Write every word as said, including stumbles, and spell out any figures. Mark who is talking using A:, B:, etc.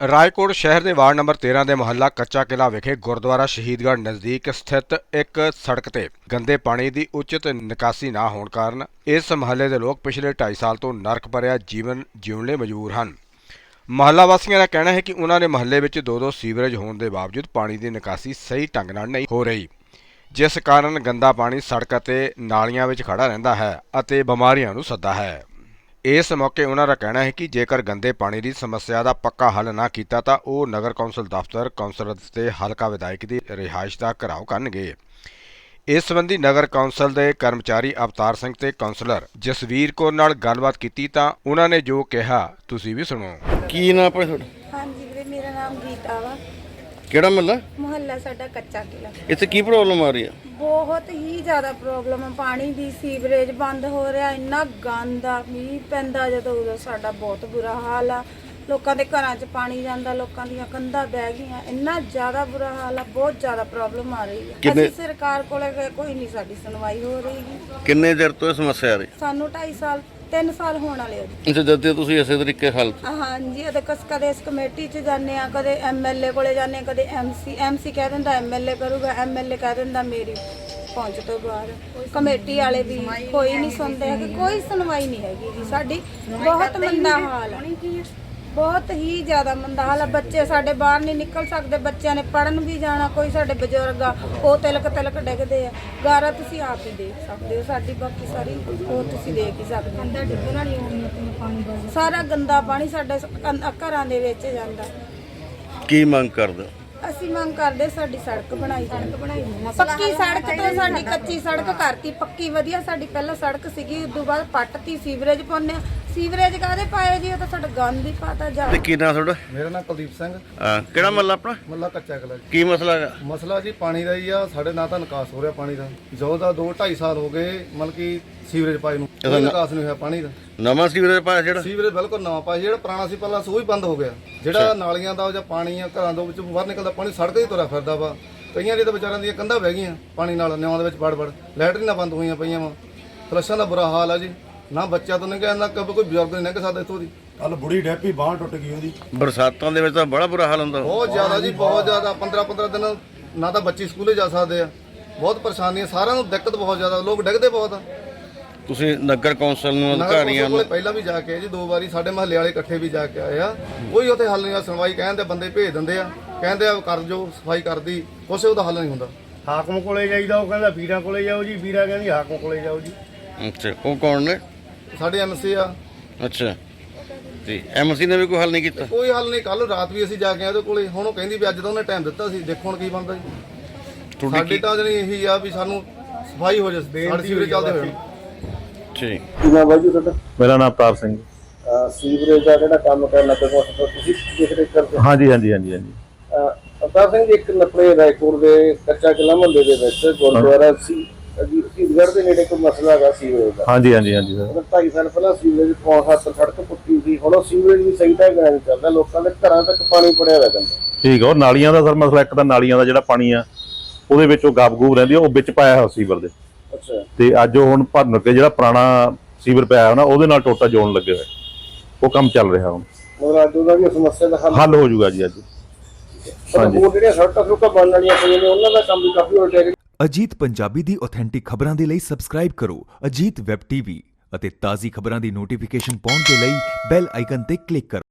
A: ਰਾਏਕੋਟ ਸ਼ਹਿਰ ਦੇ ward number तेरह ਦੇ ਮੁਹੱਲਾ ਕੱਚਾ ਕਿਲਾ ਵਿਖੇ ਗੁਰਦੁਆਰਾ ਸ਼ਹੀਦਗੜ੍ਹ ਨਜ਼ਦੀਕ ਸਥਿਤ ਇੱਕ ਸੜਕ ਤੇ ਗੰਦੇ ਪਾਣੀ ਦੀ ਉਚਿਤ ਨਿਕਾਸੀ ਨਾ ਹੋਣ ਕਾਰਨ ਇਸ ਮੁਹੱਲੇ ਦੇ ਲੋਕ ਪਿਛਲੇ ਢਾਈ ਸਾਲ ਤੋਂ ਨਰਕ ਭਰਿਆ ਜੀਵਨ ਜਿਉਣ ਲਈ ਮਜਬੂਰ ਹਨ। ਮੁਹੱਲਾ ਵਾਸੀਆਂ ਦਾ ਕਹਿਣਾ ਹੈ ਕਿ ਉਹਨਾਂ ਦੇ ਮੁਹੱਲੇ ਵਿੱਚ ਦੋ ਦੋ ਸੀਵਰੇਜ ਹੋਣ ਦੇ ਬਾਵਜੂਦ ਪਾਣੀ ਦੀ ਨਿਕਾਸੀ ਸਹੀ ਢੰਗ ਨਾਲ ਨਹੀਂ ਹੋ ਰਹੀ, ਜਿਸ ਕਾਰਨ ਗੰਦਾ ਪਾਣੀ ਸੜਕ ਅਤੇ ਨਾਲੀਆਂ ਵਿੱਚ ਖੜਾ ਰਹਿੰਦਾ ਹੈ ਅਤੇ ਬਿਮਾਰੀਆਂ ਨੂੰ ਸੱਦਾ ਹੈ। ਇਸ ਮੌਕੇ ਉਹਨਾਂ ਦਾ ਕਹਿਣਾ ਹੈ ਕਿ ਜੇਕਰ ਗੰਦੇ ਪਾਣੀ ਦੀ ਸਮੱਸਿਆ ਦਾ ਪੱਕਾ ਹੱਲ ਨਾ ਕੀਤਾ ਤਾਂ ਉਹ ਨਗਰ ਕੌਂਸਲ ਦਫ਼ਤਰ, ਕੌਂਸਲਰ ਤੇ ਹਲਕਾ ਵਿਧਾਇਕ ਦੀ ਰਿਹਾਇਸ਼ ਦਾ ਘਿਰਾਓ ਕਰਨਗੇ। ਇਸ ਸੰਬੰਧੀ ਨਗਰ ਕੌਂਸਲ ਦੇ ਕਰਮਚਾਰੀ ਅਵਤਾਰ ਸਿੰਘ ਤੇ ਕੌਂਸਲਰ ਜਸਵੀਰ ਕੌਰ ਨਾਲ ਗੱਲਬਾਤ ਕੀਤੀ ਤਾਂ ਉਹਨਾਂ ਨੇ ਜੋ ਕਿਹਾ ਤੁਸੀਂ ਵੀ ਸੁਣੋ।
B: ਕੀ ਨਾਮ ਆਪਣਾ ਤੁਹਾਡਾ?
C: ਹਾਂਜੀ ਵੀਰੇ, ਮੇਰਾ ਨਾਮ ਗੀਤਾ ਵਾ।
B: ਕਿਹੜਾ ਮਹੱਲਾ?
C: ਮੁਹੱਲਾ ਸਾਡਾ ਕੱਚਾ ਕਿਲਾ।
B: ਇੱਥੇ ਕੀ ਪ੍ਰੋਬਲਮ ਆ ਰਹੀ ਆ?
C: ਬਹੁਤ ਹੀ ਜ਼ਿਆਦਾ ਪ੍ਰੋਬਲਮ ਹੈ ਪਾਣੀ ਦੀ। ਸੀਵਰੇਜ ਬੰਦ ਹੋ ਰਿਹਾ, ਇੰਨਾ ਗੰਦ ਆ। ਮੀਂਹ ਪੈਂਦਾ ਜਦੋਂ ਉਦੋਂ ਸਾਡਾ ਬਹੁਤ ਬੁਰਾ ਹਾਲ ਆ। ਲੋਕਾਂ ਦੇ ਘਰਾਂ 'ਚ ਪਾਣੀ ਜਾਂਦਾ, ਲੋਕਾਂ ਦੀਆਂ ਕੰਧਾਂ ਬਹਿ ਗਈਆਂ, ਇੰਨਾ ਜ਼ਿਆਦਾ ਬੁਰਾ ਹਾਲ ਆ। ਬਹੁਤ ਜ਼ਿਆਦਾ ਪ੍ਰੋਬਲਮ ਆ ਰਹੀ ਹੈ। ਅਸੀਂ ਸਰਕਾਰ ਕੋਲੇ ਗਏ, ਕੋਈ ਨਹੀਂ ਸਾਡੀ ਸੁਣਵਾਈ ਹੋ ਰਹੀ।
B: ਕਿੰਨੇ ਚਿਰ ਤੋਂ ਇਹ ਸਮੱਸਿਆ ਆ ਰਹੀ?
C: ਸਾਨੂੰ ਢਾਈ ਸਾਲ ਤਿੰਨ ਸਾਲ ਹੋਣ ਵਾਲੇ ਆ ਜੀ।
B: ਅੱਛਾ, ਜਦ ਤੁਸੀਂ ਇਸੇ ਤਰੀਕੇ ਹੱਲ?
C: ਹਾਂਜੀ, ਉਹਦੇ ਕਸ ਕਦੇ ਇਸ ਕਮੇਟੀ 'ਚ ਜਾਂਦੇ ਆ, ਕਦੇ ਐਮਐਲਏ ਕੋਲੇ ਜਾਂਦੇ ਆ, ਕਦੇ ਐਮਸੀ ਐਮਸੀ ਕਹਿ ਦਿੰਦਾ ਐਮਐਲਏ ਕਰੂਗਾ, ਐਮਐਲਏ ਕਹਿ ਦਿੰਦਾ ਮੇਰੀ ਪਹੁੰਚ ਤੋਂ ਬਾਹਰ। ਕਮੇਟੀ ਵਾਲੇ ਵੀ ਕੋਈ ਨਹੀਂ ਸੁਣਦੇ ਹੈਗੇ, ਕੋਈ ਸੁਣਵਾਈ ਨਹੀਂ ਹੈਗੀ ਜੀ ਸਾਡੀ। ਬਹੁਤ ਮੰਦਾ ਹਾਲ ਹੈ, ਬਹੁਤ ਹੀ ਜ਼ਿਆਦਾ ਮੰਦਾ ਹਾਲ ਆ। ਬੱਚੇ ਸਾਡੇ ਬਾਹਰ ਨਹੀਂ ਨਿਕਲ ਸਕਦੇ, ਬੱਚਿਆਂ ਨੇ ਪੜ੍ਹਨ ਵੀ ਜਾਣਾ। ਕੋਈ ਸਾਡੇ ਬਜ਼ੁਰਗ ਆ, ਉਹ ਤਿਲਕ ਤਿਲਕ ਡਿੱਗਦੇ ਆ। ਗਾਰਾ ਤੁਸੀਂ ਆਪ ਹੀ ਦੇਖ ਸਕਦੇ ਹੋ ਸਾਡੀ, ਬਾਕੀ ਸਾਰੀ ਉਹ ਤੁਸੀਂ ਦੇਖ ਹੀ ਸਕਦੇ ਹੋ। ਅੰਦਰ ਡਿੱਗਣ ਵਾਲੀ ਪਾਣੀ, ਸਾਰਾ ਗੰਦਾ ਪਾਣੀ ਸਾਡੇ ਘਰਾਂ ਦੇ ਵਿੱਚ ਜਾਂਦਾ।
B: ਕੀ ਮੰਗ ਕਰਦੇ?
C: ਅਸੀਂ ਮੰਗ ਕਰਦੇ ਸਾਡੀ ਸੜਕ ਬਣਾਈ ਸੜਕ ਬਣਾਈ ਪੱਕੀ ਸੜਕ ਤੋਂ ਸਾਡੀ ਕੱਚੀ ਸੜਕ ਕਰਤੀ ਪੱਕੀ ਵਧੀਆ। ਸਾਡੀ ਪਹਿਲਾਂ ਸੜਕ ਸੀਗੀ, ਉਦੋਂ ਬਾਅਦ ਪੱਟਤੀ, ਸੀਵਰੇਜ ਪਾਉਂਦੇ ਆ। ਸੀਵਰੇਜ ਕਾਹਦੇ ਪਾਏ ਜੀ? ਉਹ ਤਾਂ ਸਾਡਾ ਗੰਦ ਹੀ ਪਾਤਾ ਜਾ।
B: ਤੇ ਕੀ ਨਾਮ ਤੁਹਾਡਾ?
D: ਮੇਰਾ ਨਾਮ ਕੁਲਦੀਪ ਸਿੰਘ।
B: ਹਾਂ, ਕਿਹੜਾ ਮਹੱਲਾ ਆਪਣਾ?
D: ਮੱਲਾ ਕੱਚਾ ਕਿਲਾ ਜੀ।
B: ਕੀ ਮਸਲਾ ਹੈਗਾ?
D: ਮਸਲਾ ਜੀ ਪਾਣੀ ਦਾ ਹੀ ਆ। ਸਾਡੇ ਨਾ ਤਾਂ ਨਿਕਾਸ ਹੋ ਰਿਹਾ ਪਾਣੀ ਦਾ, ਜੋ ਦਾ ਦੋ ਢਾਈ ਸਾਲ ਹੋ ਗਏ ਮਤਲਬ ਕਿ ਸੀਵਰੇਜ ਪਾਏ ਨੂੰ ਕੋਈ ਨਿਕਾਸ ਨਹੀਂ ਹੋਇਆ ਪਾਣੀ ਦਾ।
B: ਨਵਾਂ ਸੀਵਰੇਜ ਪਾਇਆ ਜਿਹੜਾ?
D: ਸੀਵਰੇਜ ਬਿਲਕੁਲ ਨਵਾਂ ਪਾਇਆ, ਜਿਹੜਾ ਪੁਰਾਣਾ ਸੀ ਪਹਿਲਾਂ ਉਹ ਵੀ ਬੰਦ ਹੋ ਗਿਆ। ਜਿਹੜਾ ਨਾਲੀਆਂ ਦਾ ਜਾਂ ਪਾਣੀ ਆ ਘਰਾਂ ਦੇ ਵਿੱਚ ਬਾਹਰ ਨਿਕਲਦਾ ਪਾਣੀ ਸੜਕ ਹੀ ਤੁਰਿਆ ਫਿਰਦਾ ਵਾ। ਕਈਆਂ ਦੀ ਤਾਂ ਵਿਚਾਰਿਆਂ ਦੀਆਂ ਕੰਧਾਂ ਵਹਿ ਗਈਆਂ ਪਾਣੀ ਨਾਲ, ਨਿਆਂ ਦੇ ਵਿੱਚ ਵੜ ਵੜ। ਲੈਟਰੀਨਾਂ ਬੰਦ ਹੋਈਆਂ ਪਈਆਂ ਵਾ। ਫਲਸ਼ਾਂ ਦਾ ਬੁਰਾ ਹਾਲ ਆ ਜੀ। ਨਾ ਬੱਚਾ ਤੋਂ ਨਹੀਂ ਕਹਿੰਦਾ, ਕਦੇ ਕੋਈ ਬਜ਼ੁਰਗ ਨਹੀਂ ਲੰਘ ਸਕਦਾ ਇੱਥੋਂ ਦੀ।
E: ਕੱਲ ਬੁੜੀ ਡੈਪੀ ਬਾਂਹ ਟੁੱਟ ਗਈ ਉਹਦੀ।
B: ਬਰਸਾਤਾਂ ਦੇ ਵਿੱਚ ਤਾਂ ਬੜਾ ਬੁਰਾ ਹਾਲ ਹੁੰਦਾ।
D: ਬਹੁਤ ਜ਼ਿਆਦਾ ਜੀ, ਬਹੁਤ ਜ਼ਿਆਦਾ। ਪੰਦਰਾਂ ਪੰਦਰਾਂ ਦਿਨ ਨਾ ਤਾਂ ਬੱਚੇ ਸਕੂਲੇ ਜਾ ਸਕਦੇ ਆ। ਬਹੁਤ ਪਰੇਸ਼ਾਨੀ ਆ, ਸਾਰਿਆਂ ਨੂੰ ਦਿੱਕਤ ਬਹੁਤ ਜ਼ਿਆਦਾ। ਲੋਕ ਡਿੱਗਦੇ ਬਹੁਤ ਆ।
B: ਤੁਸੀਂ ਨਗਰ ਕੌਂਸਲ ਨੂੰ, ਅਧਿਕਾਰੀਆਂ ਨੂੰ?
D: ਪਹਿਲਾਂ ਵੀ ਜਾ ਕੇ ਜੀ ਦੋ ਵਾਰੀ ਸਾਡੇ ਮਹੱਲੇ ਵਾਲੇ ਇਕੱਠੇ ਵੀ ਜਾ ਕੇ ਆਏ ਆ। ਕੋਈ ਉੱਥੇ ਹੱਲ ਨਹੀਂ ਆ। ਸੁਣਵਾਈ ਕਹਿੰਦੇ ਬੰਦੇ ਭੇਜ ਦਿੰਦੇ ਆ, ਕਹਿੰਦੇ ਆ ਕਰ ਜੋ ਸਫਾਈ ਕਰਦੀ, ਕੁਛ ਉਹਦਾ ਹੱਲ ਨਹੀਂ ਹੁੰਦਾ।
E: ਹਾਕਮ ਕੋਲੇ ਜਾਈਦਾ, ਉਹ ਕਹਿੰਦਾ ਵੀਰਾਂ ਕੋਲੇ ਜਾਓ ਜੀ, ਵੀਰਾ ਕਹਿੰਦੀ ਹਾਕਮ ਕੋਲੇ ਜਾਓ ਜੀ।
B: ਅੱਛਾ, ਉਹ ਕੌਣ ਨੇ?
D: ਸਾਡੇ ਐਮਸੀ ਆ। ਅੱਛਾ,
B: ਤੇ ਐਮਸੀ ਨੇ ਵੀ ਕੋਈ ਹੱਲ ਨਹੀਂ ਕੀਤਾ?
D: ਕੋਈ ਹੱਲ ਨਹੀਂ। ਕੱਲ ਰਾਤ ਵੀ ਅਸੀਂ ਜਾ ਕੇ ਆਏ ਉਹਦੇ ਕੋਲੇ। ਹੁਣ ਉਹ ਕਹਿੰਦੀ ਵੀ ਅੱਜ ਤਾਂ ਉਹਨੇ ਟਾਈਮ ਦਿੱਤਾ ਸੀ, ਦੇਖੋ ਹੁਣ ਕੀ ਬਣਦਾ ਜੀ। ਸਾਡੀ ਤਾਂ ਜਣੀ ਇਹੀ ਆ ਵੀ ਸਾਨੂੰ ਸਫਾਈ ਹੋ ਜਾਵੇ, ਸਾਡੇ ਸੀਵਰੇਜ ਚੱਲਦੇ ਹੋਏ।
B: ਠੀਕ।
F: ਕੀ ਨਾਮ ਬਾਈ ਜੀ ਤੁਹਾਡਾ?
G: ਮੇਰਾ ਨਾਮ ਅਵਤਾਰ ਸਿੰਘ।
F: ਸੀਵਰੇਜ ਦਾ ਜਿਹੜਾ ਕੰਮ ਕਰਨਾ ਤੇ ਤੁਸੀਂ ਦੇਖ ਰੇਖ ਕਰਦੇ?
G: ਹਾਂਜੀ ਹਾਂਜੀ ਹਾਂਜੀ ਹਾਂਜੀ।
F: ਅਵਤਾਰ ਸਿੰਘ ਜੀ, ਇੱਕ ਨਪੜੇ ਰਾਏਕੋਟ ਦੇ ਕੱਚਾ ਕਿਲਾ ਮੁਹੱਲੇ ਦੇ ਵਿੱਚ ਗੁਰਦੁਆਰਾ ਸੀ ਸ਼ਹੀਦਗੜ੍ਹ ਦੇ ਨੇੜੇ ਕੋਈ ਮਸਲਾ ਹੈਗਾ ਸੀਵਰੇਜ ਦਾ।
G: ਹਾਂਜੀ ਹਾਂਜੀ ਹਾਂਜੀ ਸਰ।
F: ਢਾਈ ਸਾਲ ਪਹਿਲਾਂ ਸੀਵਰੇਜ ਪੌਂ ਹੱਥ ਸੜਕ ਪੁੱਟੀ ਸੀ, ਹੁਣ ਉਹ ਸੀਵਰੇਜ ਵੀ ਸਹੀ ਢੰਗ ਨਾਲ ਚੱਲਦਾ। ਲੋਕਾਂ ਦੇ ਘਰਾਂ ਤੱਕ ਪਾਣੀ ਪੜਿਆ ਹੋਇਆ ਜਾਂਦਾ।
G: ਠੀਕ ਆ। ਉਹ ਨਾਲੀਆਂ ਦਾ ਸਰ ਮਸਲਾ, ਇੱਕ ਤਾਂ ਨਾਲੀਆਂ ਦਾ ਜਿਹੜਾ ਪਾਣੀ ਆ ਉਹਦੇ ਵਿੱਚ ਉਹ ਗਾਬ ਗੂਬ ਰਹਿੰਦੀ ਆ, ਉਹ ਵਿੱਚ ਪਾਇਆ ਹੋਇਆ ਸੀਵਰ ਦੇ।
F: ਅੱਛਾ।
G: ਤੇ ਅੱਜ ਉਹ ਹੁਣ ਭਰਨ ਕੇ ਜਿਹੜਾ ਪੁਰਾਣਾ ਸੀਵਰ ਪਿਆ ਹੋਇਆ ਨਾ ਉਹਦੇ ਨਾਲ ਟੋਟਾ ਜੋੜਨ ਲੱਗੇ ਹੋਏ, ਉਹ ਕੰਮ ਚੱਲ ਰਿਹਾ ਹੁਣ।
F: ਮਤਲਬ ਅੱਜ ਉਹਦਾ ਵੀ ਸਮੱਸਿਆ ਦਾ ਹੱਲ
G: ਹੱਲ ਹੋ ਜਾਊਗਾ ਜੀ ਅੱਜ।
F: ਹਾਂਜੀ। ਹੋਰ ਜਿਹੜੀਆਂ ਸੜਕਾਂ ਸੁੜਕਾਂ ਬਣਨ ਵਾਲੀਆਂ ਪਈਆਂ ਨੇ ਉਹਨਾਂ ਦਾ ਕੰਮ ਵੀ ਕਾਫੀ ਹੋ ਜਾਏਗਾ।
H: ਅਜੀਤ ਪੰਜਾਬੀ ਦੀ ਆਥੈਂਟਿਕ ਖਬਰਾਂ ਦੇ ਲਈ ਸਬਸਕ੍ਰਾਈਬ ਕਰੋ ਅਜੀਤ ਵੈਬ ਟੀਵੀ ਅਤੇ ਤਾਜ਼ੀ ਖਬਰਾਂ ਦੀ ਨੋਟੀਫਿਕੇਸ਼ਨ ਪਾਉਣ ਦੇ ਲਈ ਬੈਲ ਆਈਕਨ ਤੇ ਕਲਿੱਕ ਕਰੋ।